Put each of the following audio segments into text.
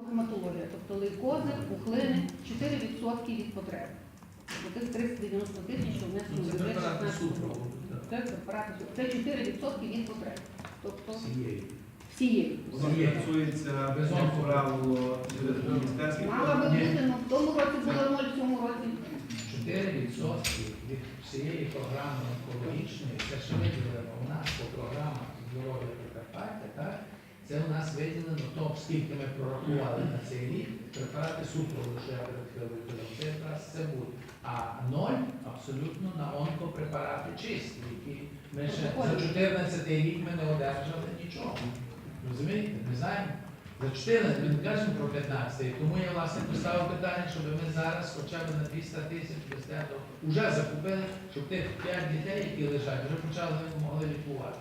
онкогематологія, тобто лейкози, пухлини, 4% від потреб. Тих 390 тисяч, що внесли в бюджет 16 року. Це препарати супротиву. Це 4% від потреб. Тобто всієї. Воно фінансується без правило через міністерське. Мала би бути, але в тому році було 0, в цьому році. 4% від всієї програми онкологічної, це ще виділено у нас по програмах здоров'я Прикарпаття, так? Це у нас виділено то, скільки ми прорахували на цей рік, препарати супроводу, що я перед хвилиною казав, це якраз це буде. А 0 абсолютно на онкопрепарати чисті, які ми ще за 14 рік ми не одержали нічого. Розумієте? Ми знаємо. За 14, ми не кажемо про 15, тому я власне поставив питання, щоб ми зараз хоча б на 200 тисяч без tego вже закупили, щоб тих 5 дітей, які лежать, вже почали могли лікувати.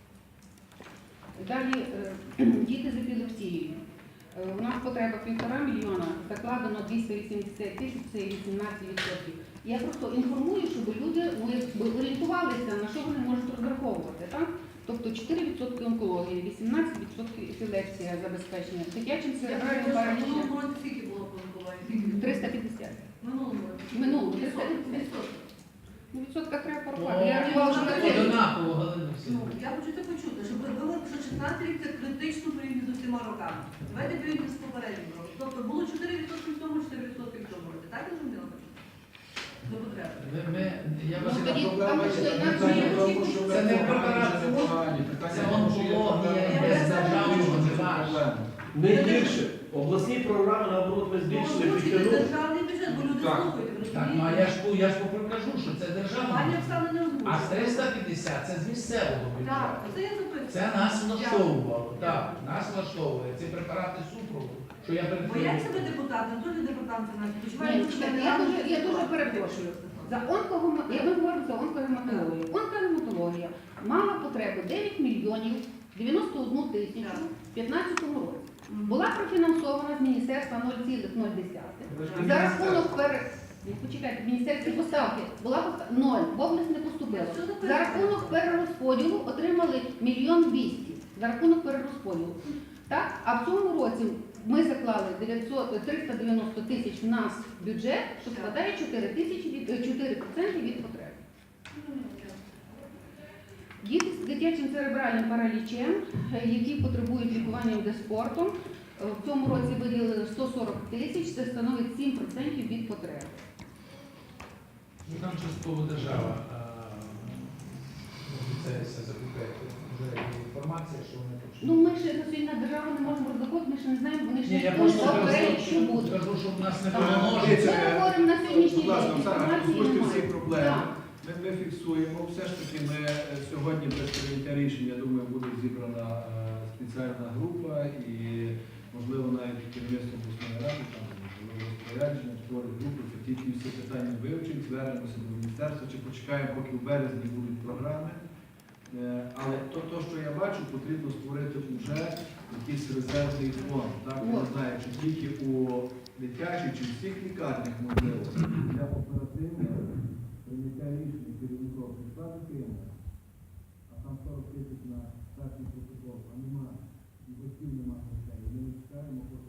Далі діти з епілепсією. У нас потреба 1,5 мільйона, закладено 280 тисяч, це 18%. Я просто інформую, щоб люди орієнтувалися, на що вони можуть розраховувати. Так? Тобто 4% онкології, 18% епілепсія забезпечення, дитячим церебральним паралічем. Минулого року скільки було по онкології? 350. Минулого року. Минулого 350. Ну, відсотка треба порахувати. Я рахувала, що на це. Однаково, Галина Ну, Васильівна. я хочу це почути, щоб ви говорили, що 16 рік це критично порівняно з усіма роками. Давайте порівняємо з попереднім роком. Тобто було 4% в тому, 4% в тому році. Так я зрозуміла? До потреби. Я Ну, вас тоді інформую. там пішли інакше. Це не препарат, це онкологія, без державного не важко. Не гірше. Обласні програми, наоборот, ми збільшили, Озвучити підтягнули. державний бюджет, бо люди Так. слухають, ви Так, ну, а розумієте? я ж покажу, що це державний. Пані Оксана не А з озвучила. 350 це з місцевого Так, бюджету. це я запитую. Це нас влаштовувало. Так, нас влаштовує. Ці препарати супроводу, що я перед Бояться себе депутати, теж департамент фінансів. Ні, чекайте, я дуже перепрошую. Я ви говорю за онкогематологію. Онкогематологія мала потребу 9 мільйонів 91 тисячу в 2015 році. Була профінансована з міністерства 0,0. За рахунок почекайте, міністерські поставки була 0, в область не поступила. За рахунок перерозподілу отримали 1 мільйон 200 за рахунок перерозподілу. Так? А в цьому році ми заклали 390 тисяч в нас в бюджет, що складає 4% від потреб. Діти з дитячим церебральним паралічем, які потребують лікування дезспортом, в цьому році виділили 140 тисяч, це становить 7% від потреб. Ну, там частково держава обіцяється закупити. Вже є інформація, що вони почнуть. Ну ми ще на сьогодні на державу не можемо розраховувати, ми ще не знаємо, вони ще Ні, я не просто говорять, що буде. кажу, щоб нас не Так. перемножити. Ми говоримо на сьогоднішній Будь ласка, день, Оксана, інформації озвучте всі немає. проблеми. Так. Ми фіксуємо. Все ж таки ми сьогодні без прийняття рішення, я думаю, буде зібрана спеціальна група і, можливо, навіть керівництво обласної ради, там, можливо, розпорядження, створить групу, це тільки всі питання вивчить, звернемося до міністерства, чи почекаємо, поки в березні будуть програми. Але то, що я бачу, потрібно створити вже якийсь резервний фонд. Так? Я не знаю, чи тільки у дитячих, чи всіх лікарнях можливо, для оперативного прийняття рішення керівників прийшла дитина, а там 40 тисяч на перший протокол, а немає, і батьків немає грошей. Ми не чекаємо, поки